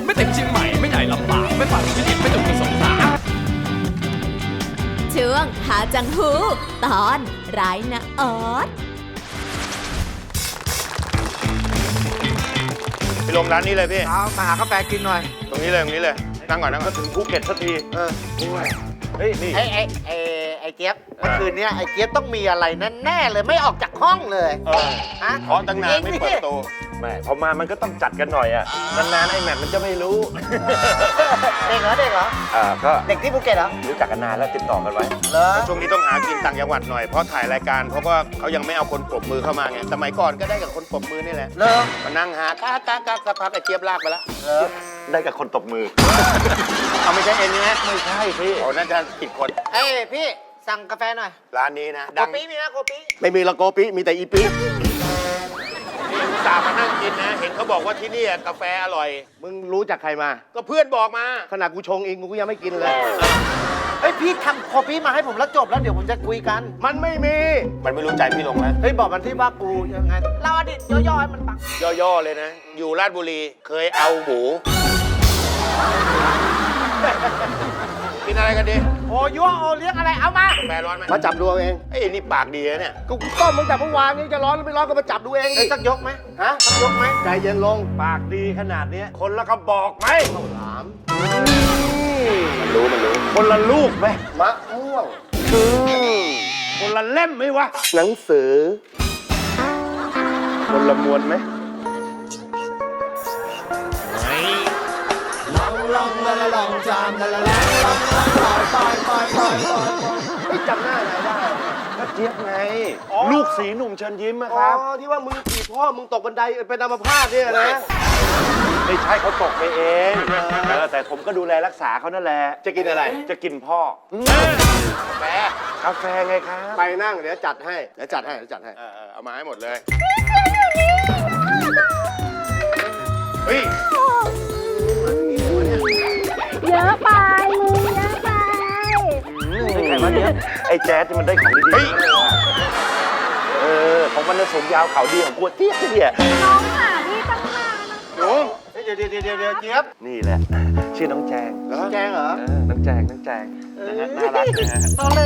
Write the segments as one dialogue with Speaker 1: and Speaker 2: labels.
Speaker 1: ไม่ถึงเชียงใหม่ไม่ใหญ่ลำบากไม่ฝันไม่ดิบไม่ถึงสงสาร
Speaker 2: ช่วงหาจังหูตอนร้ายนะออส
Speaker 3: ไปลงร้านนี้เลยพี่
Speaker 4: เอามาหากาแฟกินหน่อย
Speaker 3: ตรงนี้เลยนั่งก่อนก็ถึงภูเก็ตสักที
Speaker 4: เฮ้ยนี่ไอ้เจี๊ยบเมื่อคืนนี้ไอ้เจี๊ยบต้องมีอะไรแน่ๆเลยไม่ออกจากห้องเลยฮะ
Speaker 3: เพราะตั้งนานไม่เปิดประตู
Speaker 5: แม่พอมามันก็ต้องจัดกันหน่อยอ่ะนานๆไอ้แมทมันจะไม่รู้
Speaker 4: เด็กเหรอ
Speaker 5: ก็
Speaker 4: เด็กที่ภูเก็ตเหรอ
Speaker 5: รู้จักกันนานแล้วติดต่อกันไว้
Speaker 4: เหรอ
Speaker 3: ช่วงนี้ต้องหากินต่างจังหวัดหน่อยเพราะถ่ายรายการเพราะว่าเขายังไม่เอาคนปรบมือเข้ามาไงสมัยก่อนก็ได้กับคนปรบมือนี่แหละ
Speaker 4: เหรอ
Speaker 3: มานั่งหากากสักพักไอ้เจี๊ยบลากไปแล้ว
Speaker 5: ได้กับคนตบมือ
Speaker 3: เอาไม่ใช่เอ็นนี่นะ
Speaker 5: ไม่ใช่พี่
Speaker 3: โอ้น่าจะผิดคน
Speaker 4: เอ้ยพี่สั่งกาแฟหน่อย
Speaker 3: ร้านนี้นะ
Speaker 4: โก
Speaker 3: ดัง
Speaker 4: ปิมีนะโกปิ
Speaker 5: ไม่มีละโกปิมีแต่อีปิ
Speaker 3: อุตส่าห์มานั่งกินนะ เห็นเขาบอกว่าที่นี่กาแฟอร่อย
Speaker 5: มึงรู้จักใครมา
Speaker 3: ก็เพื่อนบอกมา
Speaker 5: ขนาดกูชงเองกูยังไม่กินเลย
Speaker 4: เฮ้ยพี่ทำโกปิมาให้ผมแล้วจบแล้วเดี๋ยวผมจะคุยกัน
Speaker 5: มันไม่มี
Speaker 3: มันไม่รู้ใจพี่ลงแล้ว
Speaker 4: เฮ้ยบอกมันที่ว่ากูยังไงเล่าอดีตย่อๆให้มันฟัง
Speaker 3: ย่อๆเลยนะ อยู่ราชบุรีเคยเอาหมูกินอะไรกันดี
Speaker 4: โอ้ยั่วโอเลี้ยงอะไรเอามา
Speaker 3: กาแฟร้อนไหม
Speaker 5: มาจับดูเอาเอง
Speaker 3: ไอ้ยนี่ปากดีนะเนี่ย
Speaker 5: กูต้มมึงจับเมื่อวานนี้จะร้อนหรือไม่ร้อนก็มาจับดูเอง
Speaker 4: เฮ้ยสักยกไหมฮะสักยกไหม
Speaker 5: ใจเย็นลงปากดีขนาดนี้คนละกระบอกไหมถามมันรู้คนละลูกไหมมะม่วงคนละเล่มไหมวะหนังสือคนละมวนไหมไม่จำหน้าไหนได้ก็เจี๊ยบไง ลูกสีหนุ่มเชิญยิ้มนะครับ ที่ว่ามึงถีบพ่อมึงตกบันไดเป็นอัมพาตเนี่ยนะ ไม่ใช่เขาตกไปเองแต่ผมก็ดูแลรักษาเขานั่นแหละ จะกินอะไร จะกินพ่อกาแฟไงครับ ไปนั่งเดี๋ยวจัดให้
Speaker 3: เอามาให้หมดเลย เฮ้ย
Speaker 6: เยอะไปมึงเยอะไป
Speaker 5: ใครวะเนี่ยไอ้แจ๊ดนี่มันได้ของดี
Speaker 3: เฮ้ย
Speaker 5: ของมันสมยาวเขาดีของกูเจี๊ยบเนี่ย
Speaker 6: น้องหาพี่ตั้งนานนะ
Speaker 3: หนู
Speaker 4: เดี๋ยวเจี๊ยบ
Speaker 5: นี่แหละ ชื่อน้องแจง
Speaker 4: แจงเหรอ
Speaker 5: น้องแจงนะฮะน่ารักนะฮะ
Speaker 4: ตอแหล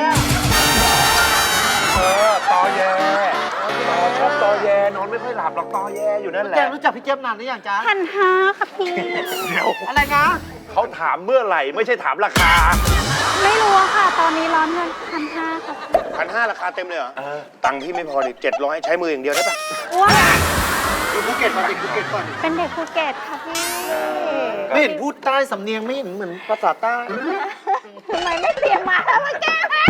Speaker 5: ตอแยชอบตอแยนอนไม่ค่อยหลับหรอกตอแยอยู่นั่นแหละ
Speaker 4: แจงรู้จักพี่เจี๊ยบนานหรือยังจ๊ะ
Speaker 6: 1,500ค่ะพี่
Speaker 5: เดี๋ยว
Speaker 4: อะไรนะ
Speaker 5: เขาถามเมื่อไหร่ไม่ใช่ถามราคา
Speaker 6: ไม่รู้อะค่ะ ตอนนี้ร้อนเงิน1,500ค่ะพี่
Speaker 3: 1,500ราคาเต็มเลยเหรอ ตังค์พี่ไม่พอดิ700ใช้มืออย่างเดียวได้ปะ
Speaker 6: อ้วน
Speaker 4: อยู่ภูเก็ตมาติดภูเก็ตก่อน
Speaker 6: เป็นเด็กภูเก็ตค่ะพี่
Speaker 4: ไม่เห็นพูดใต้สำเนียงไม่เห็นเหมือนภาษาใต้
Speaker 6: ทำไมไม่เตรียมมาแล้วมาแก้ให้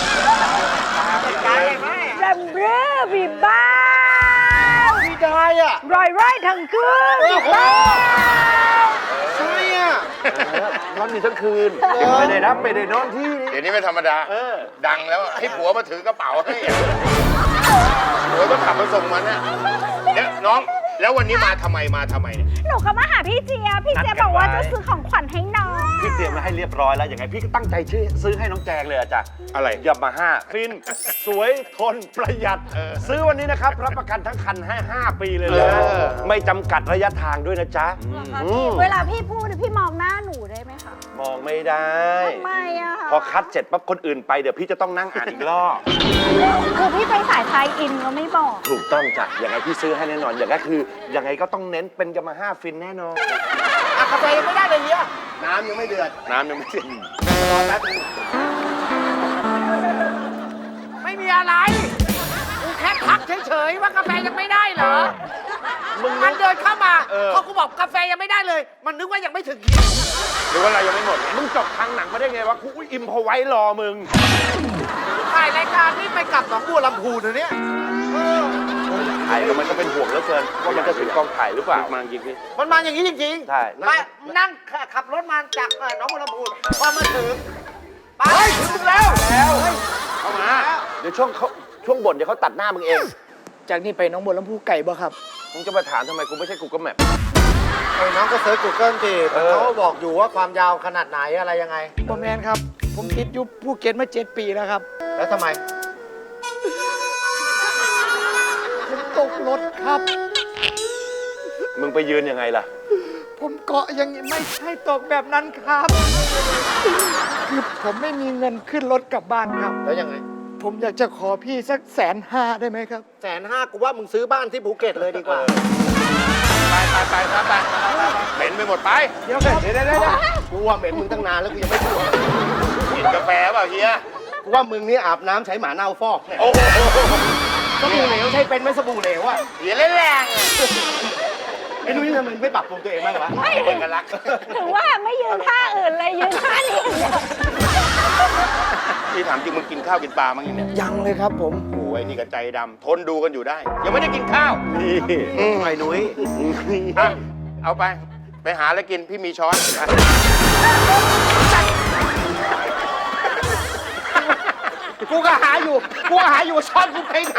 Speaker 6: แรมเบ้อบีบ้า
Speaker 4: ไม่ได้อ่ะ
Speaker 6: รอยไร่ทั้งคืนบีบ้า
Speaker 4: ใช่อ่ะ
Speaker 5: นอนอยู่ทั้งคืนไม่ได้รับไม่ได้นอนที่
Speaker 3: เดี๋ยวนี้ไม่ธรรมดา ดังแล้วให้ผัวมาถือกระเป๋าให้อะผัวต้องขับมาส่งมันนะเดี๋ยวน้อง แล้ววันนี้มาทำไมเนี่ย
Speaker 6: หนูก็มาหาพี่เจี๊ยบพี่เจี๊ยบบอกว่าจะซื้อของขวัญให้น้อง
Speaker 5: พี่เตรียมมาให้เรียบร้อยแล้วอย่างไงพี่ก็ตั้งใจซื้อให้น้องแจงเลยอะจ้ะ
Speaker 3: อะไร
Speaker 5: ยามาฮ่าฟิน สวยทนประหยัด ซื้อวันนี้นะครับ รับประกันทั้งคันให้5 ปีเลยนะไม่จำกัดระยะทางด้วยนะจ๊ะ
Speaker 6: เวลาพี่พูดพี่มองหน้าหนูได้ไหมคะ
Speaker 5: มองไม่ได้
Speaker 6: ทำไมอะคะ
Speaker 5: พอคัดเสร็จปั๊บคนอื่นไปเดี๋ยวพี่จะต้องนั่งอ่านอีกรอบ
Speaker 6: คือพี่ไปสายไทยอินก็ไม่บอก
Speaker 5: ถูกต้องจ้ะอย่างไงพี่ซื้อให้แน่นอนอย่างก็คือยังไงก็ต้องเน้นเป็นยามาฮ่าฟินแน่นอน
Speaker 4: อ่ะกาแฟยังไม่ได้เลยเนี่ย
Speaker 5: น้ำยังไม่เดือด
Speaker 3: น้ำยังไม่ถึง
Speaker 4: ไม่มีอะไรกูแค่ทักเฉยๆว่ากาแฟยังไม่ได้เหรอมันเดินเข้ามาพอกูบอกกาแฟยังไม่ได้เลย มันนึกว่ายังไม่ถึงคิว
Speaker 3: หรือว่าเรายังไม่หมด
Speaker 5: มึงจบทางหนังมาได้ไงวะกูอิมพอไว้รอมึง
Speaker 4: ถ่ายรายการนี่ไปกลับหนองบัวลำพูนะเนี่ย
Speaker 5: ถ่ายก็มันก็เป็นห่วงเหลือเกินว่ามันจะถึงกองถ่ายหรือเปล่า
Speaker 3: มาจริงพี่
Speaker 4: มันมาอย่างนี้จริง
Speaker 5: ใช่
Speaker 4: มานั่งขับรถมาจากหนองบัวลำพูพอมาถึงไปถึงแล้ว
Speaker 5: เข้ามาเดี๋ยวช่วงบ่นเดี๋ยวเขาตัดหน้ามึงเอง
Speaker 7: จากนี้ไปน้องบัวลำพูไก่บ่ครับ
Speaker 5: มึงจะมาถามทำไมกูไม่ใช่กูก็แมพ
Speaker 4: น้องก็เซิร์ช Google สิเขาบอกอยู่ว่าความยาวขนาดไหนอะไรยังไง
Speaker 7: บอแมนครับ ผมติดอยู่ภูเก็ตมา7 ปีแล้วครับ
Speaker 4: แล้วทำไม
Speaker 7: ผมตกรถครับ
Speaker 5: มึงไปยืนยังไงล่ะ
Speaker 7: ผมเกาะอย่างนี้ไม่ใช่ตกแบบนั้นครับ คือผมไม่มีเงินขึ้นรถกลับบ้านครับ
Speaker 4: แล้วยังไง
Speaker 7: ผมอยากจะขอพี่สัก150,000ได้ไหมครับ
Speaker 4: 150,000กูว่ามึงซื้อบ้านที่ภูเก็ตเลยดีกว่า
Speaker 3: ไปเหม็นไปหมดไป
Speaker 4: เดี๋ยวกูว่าเหม็นมึงตั้งนานแล้วกูยังไม่พูด
Speaker 3: กินกาแฟเปล่าเฮีย
Speaker 4: กูว่ามึงนี่อาบน้ำใช้หมาเน่าฟอกเนี่ย
Speaker 3: โอ้โห
Speaker 4: สบู่เหลวใช้เป็นไหมสบู่เหลวอะ
Speaker 3: เฮียเล่นแรง
Speaker 4: ไอ้นุ้ยทำไมไม่ปรับปรุงตัวเองบ้างวะ
Speaker 3: เอกลักษณ์
Speaker 6: ถึงว่าไม่ยืนท่าอื่นเลยยืนท่านี้อย่างเดียว
Speaker 3: พี่ถามจริงมึงกินข้าวกินปลามั้งเนี่ย
Speaker 7: ยังเลยครับผม
Speaker 3: โอ้ยนี่ก็ใจดำทนดูกันอยู่ได้ ยังไม่ได้กินข้าว
Speaker 5: นี่
Speaker 3: ไอ้นุ้ยเอาไปหาอะไรกินพี่มีช้อน
Speaker 4: กูก็หาอยู่ช้อนกูไปไหน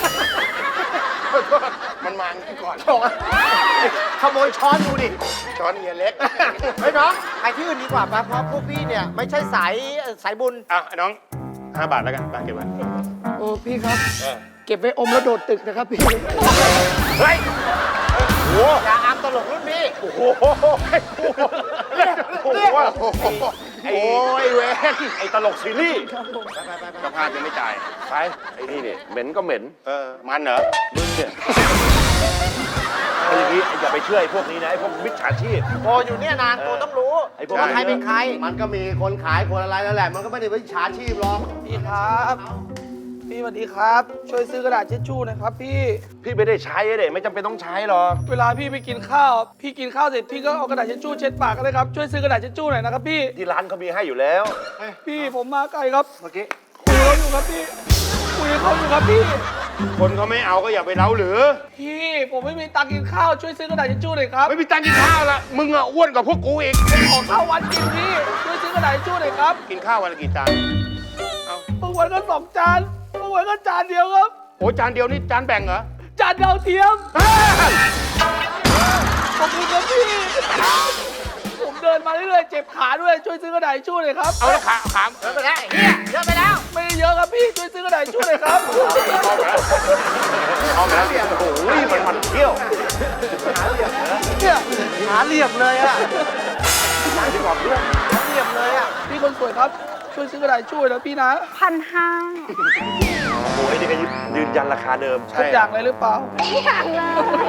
Speaker 3: มันมางี้ก่อน
Speaker 4: ขโมยช้อนดูดิ
Speaker 3: ช้อนเฮียเล็ก
Speaker 4: เฮ้ยน้องไปที่อื่นดีกว่าปะเพราะพวกพี่เนี่ยไม่ใช่สายบุญ
Speaker 3: อ่ะไอ้น้อง5 บาทแล้วกันเก็บไว้
Speaker 7: โอ้พี่ครับ เก็บไว้อมแล้วโดดตึกนะครับพี่
Speaker 3: เฮ้ย
Speaker 4: อย่าอามตลกรุ่นพี่
Speaker 3: โอ้โหโอ้ยเว้น
Speaker 5: ไอ้ตลกซีรีส์
Speaker 3: เจ้าภาพยังไม่จ่าย
Speaker 5: ไปไอ้นี่เนี่ยเหม็นก็เหม็น
Speaker 3: มันเหรอ
Speaker 5: มึงเนี่ยเอาอย่างนี้อย่าไปเชื่อไอ้พวกนี้นะไอ้พวกมิจฉาชีพ
Speaker 4: โตอยู่เนี่ยนานโตต้องรู้
Speaker 5: ไอ้พวก
Speaker 4: ว่าใครเป็นใคร มันก็มีคนขายคนอะไรนั่นแหละ มันก็ไม่ได้เป็นฉาชีพหรอก
Speaker 7: พี่ครับ พี่สวัสดีครับ ช่วยซื้อกระดาษเช็ดชู่หนะครับพี่
Speaker 5: พี่ไม่ได้ใช้เด็ไม่จำเป็นต้องใช้หรอก
Speaker 7: เวลาพี่ไปกินข้าว พี่กินข้าวเสร็จพี่ก็เอากระดาษเช็ดชู่เช็ดปากกันเลยครับ ช่วยซื้อกระดาษเช็ดชู่หน่อยนะครับพี่
Speaker 5: ที่ร้านเขามีให้อยู่แล้ว
Speaker 7: พี่ผมมาไกลครับ
Speaker 4: เมื่อกี้
Speaker 7: คุยเขาอยู่ครับพี่ คุยเขาอยู่ครับพี่
Speaker 3: คนเขาไม่เอาก็อย่าไปเล้าหรือ
Speaker 7: พี่ผมไม่มีตังค์กินข้าว ช่วยซื้อกระดาษเช็ดชู่หน่อยครับ
Speaker 3: ไม่มีตังค์กินข้าวละมึงอ่ะอ้วนกว่าพวกกูอีก
Speaker 7: ขอข้าววันกินพี่ ช่วยซื้อกระดาษเช็ดชู่หน่อยครับ
Speaker 3: กินข้าววันละกี่จาน
Speaker 7: บางวันก็2 จานบางวันก็จานเดียวครับ
Speaker 3: โอ้จานเดียวนี่จานแบ่งเหรอ
Speaker 7: จานดาวเทียม ขอบคุณครับพี่ ผมเดินมาเรื่อยๆเจ็บขาด้วย ช่วยซื้อกระดาษทิชชู่หน่อยครับ
Speaker 3: เอาแล้วขาม
Speaker 4: เยอะไปแล้วไอ้เฮียเยอะไปแล้ว
Speaker 7: ไม่ได้เยอะครับพี่ ช่วยซื้อกระดาษทิชชู่หน่อยครับ
Speaker 3: เอาแล้วเนี่ย
Speaker 5: โอ้ยมันเที่ยว
Speaker 7: เนี่ย
Speaker 4: หาเหลี่ยมเลยอะ
Speaker 5: หาดีกว่าเพื่อน
Speaker 4: หาเหลี่ยมเลยอะ
Speaker 7: พี่คนสวยครับ ช่วยซื้อกระดาษทิชชู่นะพี่นะ
Speaker 6: 1,500
Speaker 5: โอ้ยนี่ก็ยืนยันราคาเดิม
Speaker 7: ทุกอย่างเลยหรือเปล่า
Speaker 6: อย่างเลย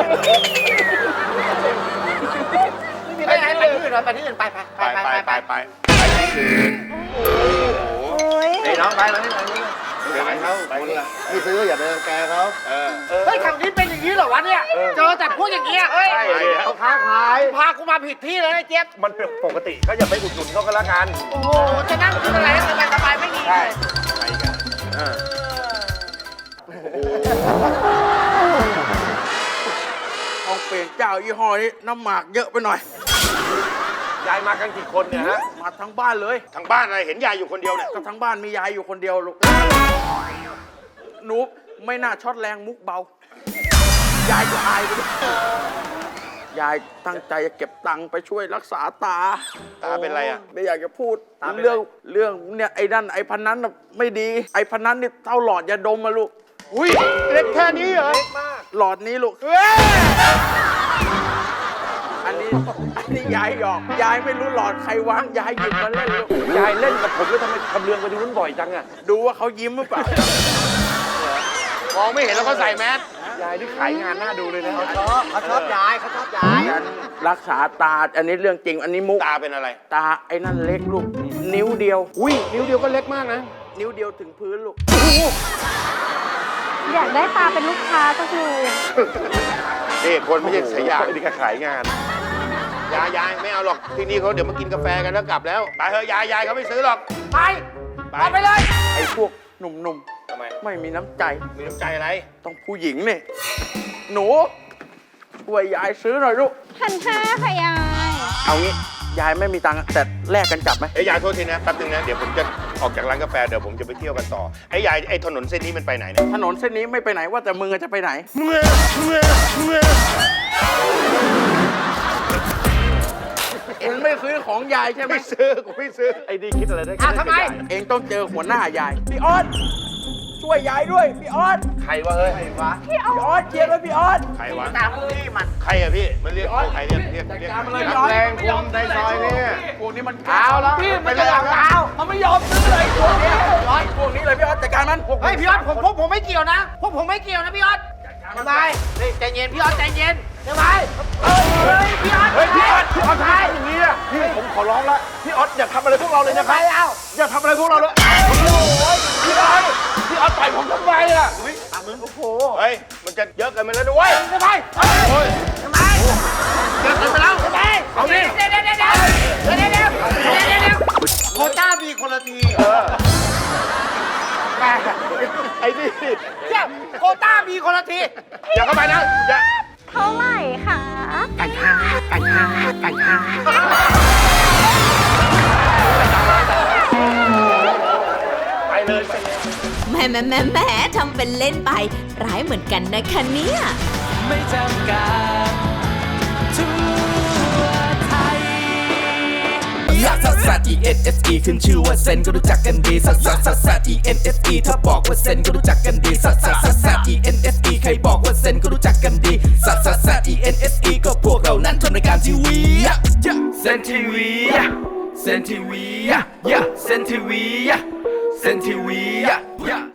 Speaker 4: ไปไหนไปที่อื่นเหรอไปที่อื่นไป
Speaker 3: ไปที่อื่น
Speaker 6: โอ้ย
Speaker 4: ไอ้น้องไปมาที่ไหน
Speaker 3: เดี๋ยวเขาไปนี่
Speaker 4: ไม่ซื้ออย่าไปรังแกเขา
Speaker 3: เออ
Speaker 4: เฮ้ยทางนี้เป็นอย่างนี้เหรอวะเนี่ย เจอแต่พวกอย่างเงี้ยเฮ้ย
Speaker 5: ใช่ดิ
Speaker 4: เขาค้าขาย พากูมาผิดที่เลยไอ้เจี๊ยบ
Speaker 5: มันเป็นปกติก็อย่าไปอุดหนุนเขาก็แล้วกัน
Speaker 4: โอ้โห จะนั่งกินอะไรให้สบายๆไม่ดี
Speaker 3: ใช่
Speaker 4: เลย
Speaker 3: ไปกัน
Speaker 1: ต้องเปลี่ยนเจ้ายี่ห้อนี้น้ำหมากเยอะไปหน่อย
Speaker 5: ยายมากันกี่คนเนี่ยฮะ
Speaker 1: มาทั้งบ้านเลย
Speaker 3: ทางบ้านอะไรเห็นยายอยู่คนเดียวเนี่ย
Speaker 1: ก็ทั้งบ้านมียายอยู่คนเดียวลูกหนูไม่น่าช็อตแรงมุกเบา ยายจะอายไปด้วยยายตั้งใจจะเก็บตังค์ไปช่วยรักษาตา
Speaker 3: ตาเป็นไรอ่ะ
Speaker 1: ไม่อยากจะพูดเรื่องเนี่ยไอ้นั่นไอ้พันนั้นน่ะไม่ดี ไอ้พันนั้นนี่เท่าหลอดยาดมมาลูก
Speaker 3: อุ้ยเล็กแค่นี้เหรอ
Speaker 1: หลอดนี้ลูก อันนี้ยายหยอก ยายไม่รู้หลอดใครวาง ยายหยิบมาเล่นลูก
Speaker 5: ยายเล่นกับผมแล้วทำไมทำเรืองไปดูนู้นบ่อยจังอะ
Speaker 1: ดูว่าเขายิ้มหรือเปล่า
Speaker 3: มองไม่เห็นแล้วเขาใส่แมส
Speaker 5: ยายนี่ขายงานน่าดูเลยนะ
Speaker 4: เขาชอบยายเขาชอบยาย
Speaker 1: รักษาตา อันนี้เรื่องจริง อันนี้มุก
Speaker 3: ตาเป็นอะไร
Speaker 1: ตาไอ้นั่นเล็กลูก นิ้วเดียว
Speaker 3: อุ้ยนิ้วเดียวก็เล็กมากนะ
Speaker 1: นิ้วเดียวถึงพื้นลูก
Speaker 6: อยากได้ตาเป็นลูกค้าก็คือ
Speaker 3: นี่คนไม่ใช่สยาม
Speaker 5: ไอ้นี่ก็ขายงาน
Speaker 3: ยายไม่เอาหรอกที่นี่เขาเดี๋ยวมากินกาแฟกันแล้วกลับแล้วไปเถอะยายเขาไม่ซื้อหรอก
Speaker 4: ไปเอาไปเลย
Speaker 1: ไอ้พวกหนุ่ม
Speaker 3: ทำไม
Speaker 1: ๆ ไม่มีน้ำใจ
Speaker 3: มีน้ำใจอะไร
Speaker 1: ต้องผู้หญิงนี่ หนูช่วยยายซื้อหน่อยลูก
Speaker 6: 1,500ค่ะยาย
Speaker 1: เอางี้ ยายไม่มีตังค์แต่แลกกันจับไหม
Speaker 3: ไอ้ยายโทษทีนะแป๊บนึงนะเดี๋ยวผมจะออกจากร้านกาแฟเดี๋ยวผมจะไปเที่ยวกันต่อไอ้ยายไอ้ถนนเส้นนี้มันไปไหนเนี่ย
Speaker 1: ถนนเส้นนี้ไม่ไปไหนว่าแต่มึงจะไปไหน เองไม่ซื้อของยายใช่ไหม
Speaker 3: ไม่ซื้อกูไม่ซื้อ
Speaker 5: ไอ้นี่คิดอะไรได้
Speaker 4: ทำไม
Speaker 1: เองต้องเจอหัวหน้ายาย พี่อ้อนช่วยวยยายด้วยพี่ออส
Speaker 3: ใครวะเฮ้ย
Speaker 1: พี่ออสเชียร์ด้วยพี่ออส
Speaker 3: ใครวะ
Speaker 4: ตามพี่มัน
Speaker 3: ใครอะพี่ มันเรียกใครเรียก
Speaker 1: การมาเลย
Speaker 5: นักแรงคุมในซอยนี่
Speaker 1: พวกนี้มัน
Speaker 5: เอาแล้ว
Speaker 1: พี่มัน
Speaker 5: ไป
Speaker 1: จะ
Speaker 5: เลย
Speaker 1: หลัง
Speaker 5: เอา
Speaker 1: มันไม่ยอมซื้อเลยพวกนี้พวกนี้เลยพี่ออสจัดการมัน
Speaker 4: เฮ้ยพี่ออสผมไม่เกี่ยวนะพวกผมไม่เกี่ยวนะพี่ออสทำไมนี่ใจเย็นพี่ออสใจเย็นทำไมเฮ้ยพี่ออส
Speaker 5: เฮ้ยพี่ออสทำไมอย่างนี้อะพี่ผมขอร้องแล้วพี่ออสอย่าทำอะไรพวกเราเลยนะครับ
Speaker 4: ไม่เอา
Speaker 5: อย่าทำอะไรพวกเราเลยพี่ออสต่อยผมทำไมอะ
Speaker 3: เฮ้ย มันจะเยอะเกินไปแล้วด้วย
Speaker 4: ทำไมทำไม
Speaker 3: เยอะเกินไปแล้ว
Speaker 4: ทำไมเอาดิเดี๋ยวโคต้ามีคนละที
Speaker 5: ไอ้นี่
Speaker 4: เนี่ยโคต้ามีคนละที
Speaker 3: อย่าเข้าไปนะ อย่า
Speaker 6: เท่าไหร่คะ
Speaker 3: ไปเลย
Speaker 2: แหมทำเป็นเล่นไป ร้ายเหมือนกันนะคะเนี่ย
Speaker 8: ไม่จำกัดทั่วไทยลักซัสซัส E N S E ขึ้นชื่อว่าเซนก็รู้จักกันดีซัสซัสซัสซัส E N S E ถ้าบอกว่าเซนก็รู้จักกันดีซัสซัสซัสซัส E N S E ใครบอกว่าเซนก็รู้จักกันดีซัสซัสซัส E N S E ก็พวกเรานั้นทำรายการทีวีเซนทีวีเซนทีวีเซนทีวีเซนทีวี